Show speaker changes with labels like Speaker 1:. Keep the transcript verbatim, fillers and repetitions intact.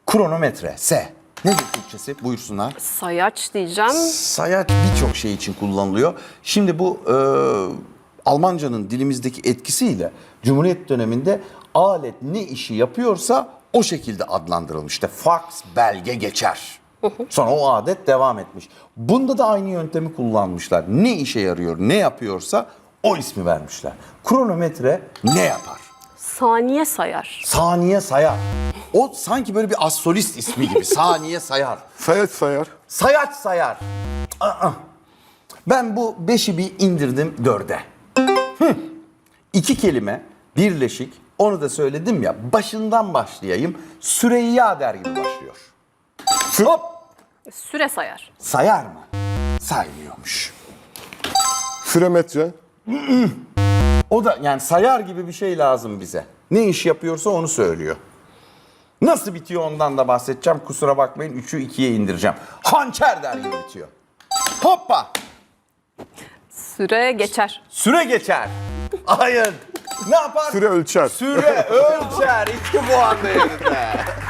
Speaker 1: Kronometre. S. Nedir Türkçesi? Buyursunlar.
Speaker 2: Sayaç diyeceğim.
Speaker 1: Sayaç birçok şey için kullanılıyor. Şimdi bu e, Almancanın dilimizdeki etkisiyle Cumhuriyet döneminde alet ne işi yapıyorsa o şekilde adlandırılmış. İşte fax, belge geçer. Sonra o adet devam etmiş. Bunda da aynı yöntemi kullanmışlar. Ne işe yarıyor, ne yapıyorsa o ismi vermişler. Kronometre ne yapar?
Speaker 2: Saniye sayar.
Speaker 1: Saniye sayar. O sanki böyle bir astrolist ismi gibi. Saniye sayar.
Speaker 3: Sayaç sayar.
Speaker 1: Sayaç sayar. Aa. Ben bu beşi bir indirdim dörde. Hı. İki kelime birleşik. Onu da söyledim ya. Başından başlayayım. Süreyya der gibi başlıyor. Hop.
Speaker 2: Süre sayar.
Speaker 1: Sayar mı? Saymıyormuş.
Speaker 3: Süremetre.
Speaker 1: O da yani sayar gibi bir şey lazım bize. Ne iş yapıyorsa onu söylüyor. Nasıl bitiyor ondan da bahsedeceğim. Kusura bakmayın üçü ikiye indireceğim. Hançer der gibi bitiyor. Hoppa.
Speaker 2: Süre geçer.
Speaker 1: Süre geçer. Hayır. Ne yapar?
Speaker 3: Süre ölçer.
Speaker 1: Süre ölçer. İki puan değerinde.